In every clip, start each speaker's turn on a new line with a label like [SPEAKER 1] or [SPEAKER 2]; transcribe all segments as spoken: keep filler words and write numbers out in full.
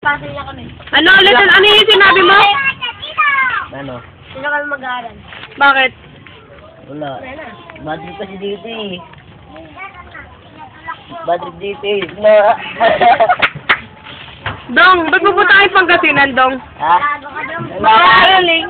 [SPEAKER 1] Pasok niya kami.
[SPEAKER 2] Ano ulit? Ano yung sinabi mo?
[SPEAKER 3] Ano?
[SPEAKER 1] Sino kami mag-aaral?
[SPEAKER 2] Bakit?
[SPEAKER 3] Wala. Bad trip kasi dito eh. Bad trip dito eh. Na.
[SPEAKER 2] Dong, ba't mo po tayo Pangasinan, Dong?
[SPEAKER 3] Ha?
[SPEAKER 2] Magaling.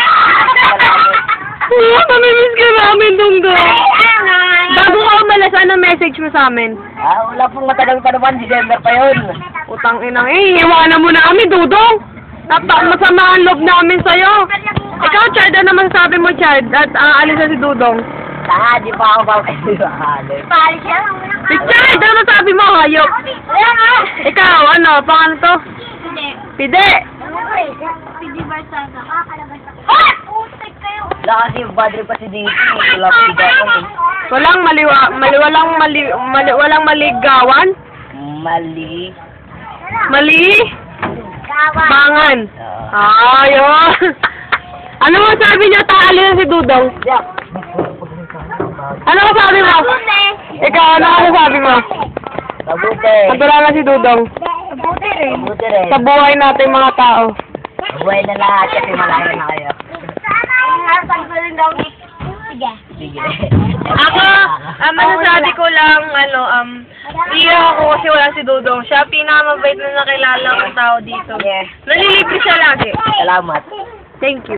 [SPEAKER 2] Oo, namimiss ka namin, Dong, Dong. Bago ka umalas, ano message mo sa amin?
[SPEAKER 3] Ah, wala pong matagal pa naman. December pa yun.
[SPEAKER 2] Utang inang eh, iwanan mo na kami, Dudong. Napa, masama ang loob namin sa'yo. Ikaw, Chad, ano masasabi mo, Chad? At aalis na si Dudong.
[SPEAKER 3] Saka, di pa ako babalik.
[SPEAKER 1] Palis siya.
[SPEAKER 2] Si Chad, ano masasabi mo, hayop?
[SPEAKER 1] Kaya nga.
[SPEAKER 2] Ikaw, ano, pang ano to?
[SPEAKER 1] Hindi.
[SPEAKER 2] Pide.
[SPEAKER 1] Pidi Barsada. Kakalabas ako. Ah! Putik kayo.
[SPEAKER 3] Wala kasi bad trip kasi dito eh. Wala pa sigawan eh.
[SPEAKER 2] Walang maliwa, mali, walang mali, mali, walang maligawan?
[SPEAKER 3] Mali.
[SPEAKER 2] Mali?
[SPEAKER 1] Gawan.
[SPEAKER 2] Bangan.
[SPEAKER 3] Ah.
[SPEAKER 2] Ayun. Ano mo sabi niyo, taali na si Dudong?
[SPEAKER 3] Yeah.
[SPEAKER 2] Ano mo sabi mo? Ikaw, ano mo sabi mo?
[SPEAKER 3] Mabuti.
[SPEAKER 2] Madura na si Dudong.
[SPEAKER 1] Buti rin.
[SPEAKER 3] Mabuti rin.
[SPEAKER 2] Sa buhay natin mga tao.
[SPEAKER 3] Mabuhay na lahat kasi malayo na kayo.
[SPEAKER 1] Harapan ko rin daw. Sige.
[SPEAKER 3] Sige.
[SPEAKER 2] Ako, ang masasabi ko lang, ano, um, iyak ako kasi wala si Dudong. Siya pinakamabait na nakilala kong tao dito.
[SPEAKER 3] Yes.
[SPEAKER 2] Nalilibre siya lagi.
[SPEAKER 3] Salamat.
[SPEAKER 2] Thank you.